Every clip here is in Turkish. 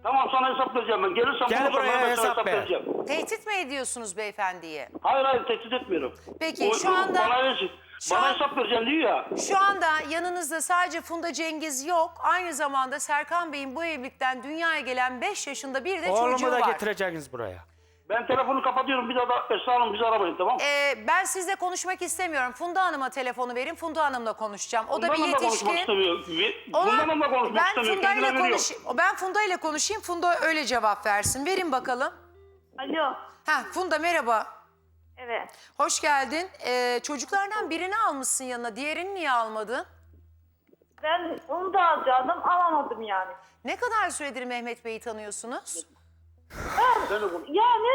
Tamam, sana hesap vereceğim ben. Gelirsem Gel bulursam buraya, ben sana hesap ver. vereceğim. Tehdit mi ediyorsunuz beyefendiye? Hayır, tehdit etmiyorum. Peki, şu anda- şu Bana an- hesap vereceğim diyor ya. Şu anda yanınızda sadece Funda Cengiz yok. Aynı zamanda Serkan Bey'in bu evlilikten dünyaya gelen 5 yaşında bir de çocuğu Oğlumu da var. getireceksiniz buraya. Ben telefonu kapatıyorum. Bir daha da Esra Hanım bizi aramayın, tamam mı? Ben sizle konuşmak istemiyorum. Funda Hanım'a telefonu verin. Funda Hanım'la konuşacağım. O da bir Bundan da konuşmak yetişkin. istemiyor. Ona- Bundan da konuşmak ben istemiyor. Funda ile Kendine veriyor. ben Funda ile konuşayım. Funda öyle cevap versin. Verin bakalım. Alo. Funda merhaba. Evet. Hoş geldin. Çocuklardan birini almışsın yanına. Diğerini niye almadın? Ben onu da alacaktım, alamadım yani. Ne kadar süredir Mehmet Bey'i tanıyorsunuz? Yani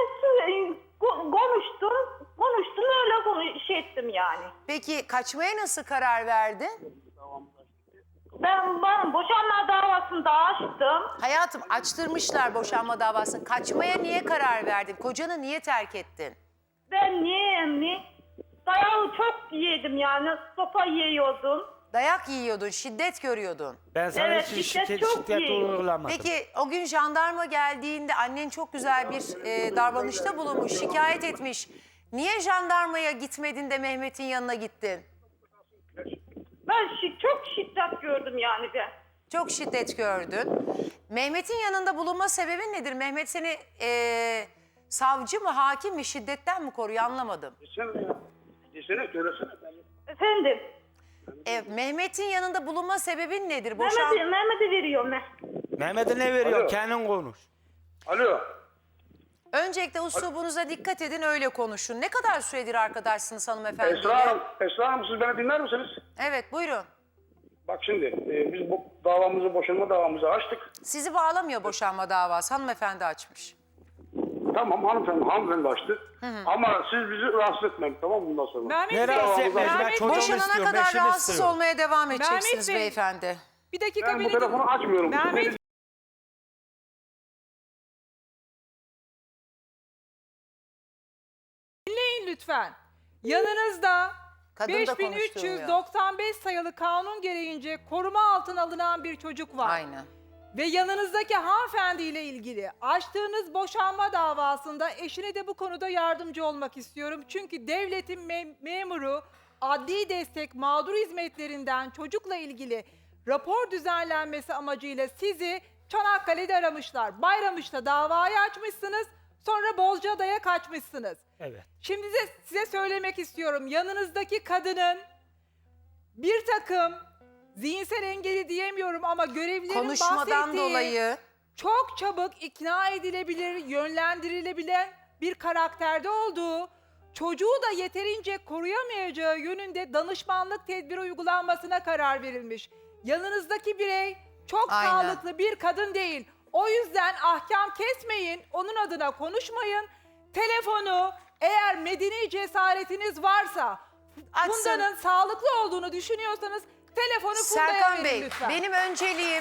konuştum öyle şey ettim yani. Peki kaçmaya nasıl karar verdin? Ben boşanma davasını da açtım. Hayatım, açtırmışlar boşanma davasını. Kaçmaya niye karar verdin? Kocanı niye terk ettin? Ben niye dayağı çok yedim yani, sopa yiyordum. Dayak yiyordun, şiddet görüyordun. Ben sana Evet, hiç şiddet çok şiddet iyi. uygulamadım. Peki o gün jandarma geldiğinde annen çok güzel bir davranışta bulunmuş, şikayet etmiş. Niye jandarmaya gitmedin de Mehmet'in yanına gittin? Ben çok şiddet gördüm yani ben. Çok şiddet gördün. Mehmet'in yanında bulunma sebebin nedir? Mehmet seni savcı mı, hakim mi, şiddetten mi koruyor, anlamadım. Desene, söylesene. Efendim, Mehmet'in yanında bulunma sebebin nedir? Mehmet'e veriyorum ben. Mehmet'e ne veriyor? Alo. Kendin konuş. Alo. Öncelikle uslubunuza dikkat edin, öyle konuşun. Ne kadar süredir arkadaşsınız hanımefendiyle? Esra Hanım, siz beni dinler misiniz? Evet, buyurun. Bak şimdi, biz bu boşanma davamızı açtık. Sizi bağlamıyor boşanma davası, hanımefendi açmış. Tamam, hanımefendi açtı. Ama siz bizi rahatsız etmeyin, tamam mı, bundan sonra? Mehmet Ne Bey, rahatsız etmez? Ben Mehmet, çocuğumu Boşanana istiyorum, kadar eşimi rahatsız istiyorum. olmaya devam edeceksiniz Bey. beyefendi. bir dakika Ben bu beni telefonu açmıyorum. Mehmet dinleyin lütfen. Yanınızda Kadın da konuşturmuyor. 5395 sayılı kanun gereğince koruma altına alınan bir çocuk var. Aynen. Ve yanınızdaki hanımefendiyle ilgili açtığınız boşanma davasında eşine de bu konuda yardımcı olmak istiyorum. Çünkü devletin memuru adli destek mağdur hizmetlerinden çocukla ilgili rapor düzenlenmesi amacıyla sizi Çanakkale'de aramışlar. Bayramış'ta davayı açmışsınız, sonra Bozcaada'ya kaçmışsınız. Evet. Şimdi size söylemek istiyorum. Yanınızdaki kadının bir takım zihinsel engeli diyemiyorum ama görevlilerin Konuşmadan bahsettiği dolayı çok çabuk ikna edilebilir, yönlendirilebilen bir karakterde olduğu, çocuğu da yeterince koruyamayacağı yönünde danışmanlık tedbiri uygulanmasına karar verilmiş. Yanınızdaki birey çok Aynen. sağlıklı bir kadın değil. O yüzden ahkam kesmeyin, onun adına konuşmayın. Telefonu eğer medeni cesaretiniz varsa, Açsın. Funda'nın sağlıklı olduğunu düşünüyorsanız telefonu Funda'ya Serkan verin Bey, lütfen. benim önceliğim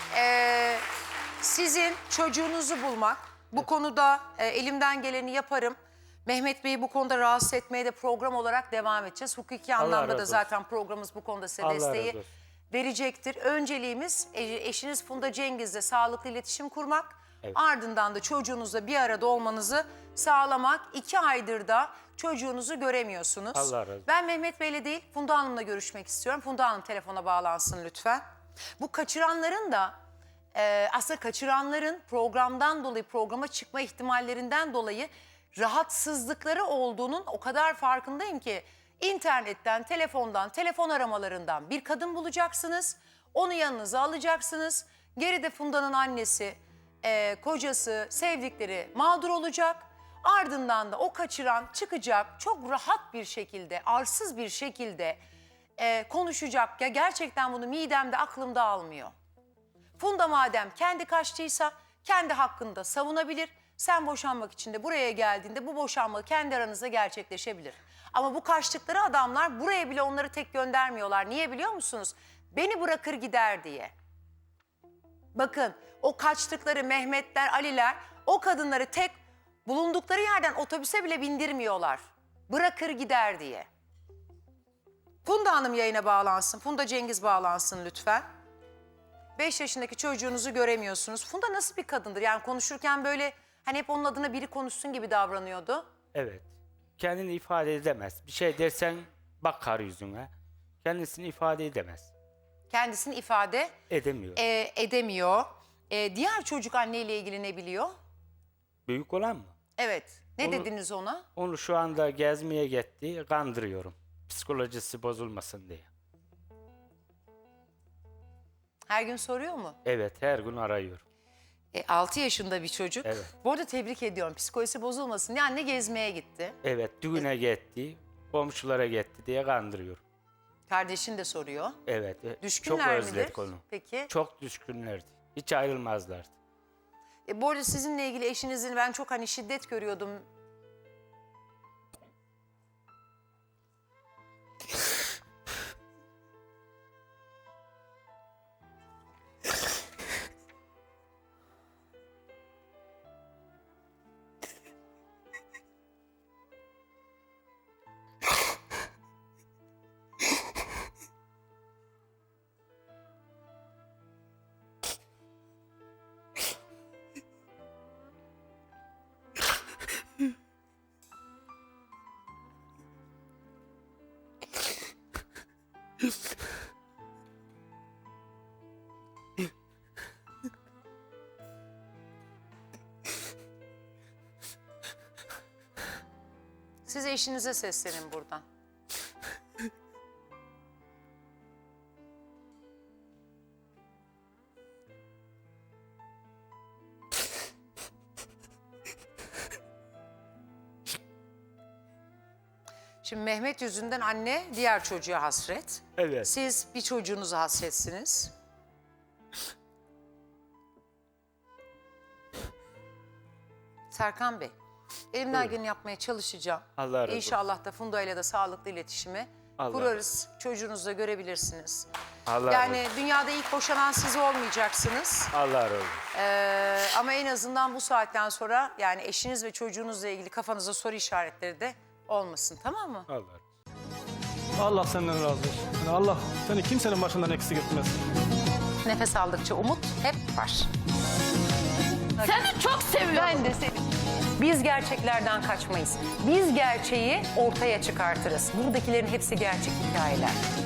sizin çocuğunuzu bulmak. Bu konuda elimden geleni yaparım. Mehmet Bey'i bu konuda rahatsız etmeye de program olarak devam edeceğiz. Hukuki Allah anlamda razı da olsun. zaten programımız bu konuda size Allah desteği razı olsun. verecektir. Önceliğimiz eşiniz Funda Cengiz'le sağlıklı iletişim kurmak. Evet. Ardından da çocuğunuzla bir arada olmanızı sağlamak. 2 aydır da çocuğunuzu göremiyorsunuz. Allah razı olsun. Ben Mehmet Bey'le değil Funda Hanım'la görüşmek istiyorum. Funda Hanım telefona bağlansın lütfen. Bu kaçıranların da aslında kaçıranların programdan dolayı, programa çıkma ihtimallerinden dolayı rahatsızlıkları olduğunun o kadar farkındayım ki internetten, telefondan, telefon aramalarından bir kadın bulacaksınız. Onu yanınıza alacaksınız. Geride Funda'nın annesi, kocası, sevdikleri mağdur olacak. Ardından da o kaçıran çıkacak, çok rahat bir şekilde, arsız bir şekilde konuşacak. Ya gerçekten bunu midemde, aklımda almıyor. Funda madem kendi kaçtıysa kendi hakkında savunabilir. Sen boşanmak için de buraya geldiğinde bu boşanma kendi aranızda gerçekleşebilir. Ama bu kaçtıkları adamlar buraya bile onları tek göndermiyorlar. Niye biliyor musunuz? Beni bırakır gider diye. Bakın o kaçtıkları Mehmetler, Aliler o kadınları tek bulundukları yerden otobüse bile bindirmiyorlar. Bırakır gider diye. Funda Hanım yayına bağlansın. Funda Cengiz bağlansın lütfen. 5 yaşındaki çocuğunuzu göremiyorsunuz. Funda nasıl bir kadındır? Yani konuşurken böyle hani hep onun adına biri konuşsun gibi davranıyordu. Evet. Kendini ifade edemez. Bir şey dersen bakar yüzüne. Kendisini ifade edemez. Kendisini ifade Edemiyor. edemiyor. Diğer çocuk anneyle ilgili ne biliyor? Büyük olan mı? Evet. Ne Onu- dediniz ona? Onu şu anda gezmeye gitti. Kandırıyorum. Psikolojisi bozulmasın diye. Her gün soruyor mu? Evet, her gün arıyorum. 6 yaşında bir çocuk. Evet. Bu arada tebrik ediyorum. Psikolojisi bozulmasın diye anne gezmeye gitti. Evet, düğüne gitti. Komşulara gitti diye kandırıyorum. Kardeşin de soruyor. Evet. Çok Düşkünler midir? özledik onu. Peki. Çok düşkünlerdi. Hiç ayrılmazlardı. Bu arada sizinle ilgili eşinizin ben çok hani şiddet görüyordum. Siz eşinize seslenin buradan. Şimdi Mehmet yüzünden anne diğer çocuğa hasret. Evet. Siz bir çocuğunuza hasretsiniz. Serkan Bey, elimden geleni yapmaya çalışacağım. Allah razı olsun. İnşallah da Funda ile de sağlıklı iletişimi Allah kurarız. Çocuğunuzla görebilirsiniz. Allah Yani razı olsun. dünyada ilk boşanan siz olmayacaksınız. Allah razı olsun. Ama en azından bu saatten sonra yani eşiniz ve çocuğunuzla ilgili kafanızda soru işaretleri de olmasın, tamam mı? Allah razı olsun. Allah senden razı olsun. Yani Allah seni kimsenin başından eksik etmez. Nefes aldıkça umut hep var. Seni çok seviyorum. Ben de seni. Biz gerçeklerden kaçmayız. Biz gerçeği ortaya çıkartırız. Buradakilerin hepsi gerçek hikayeler.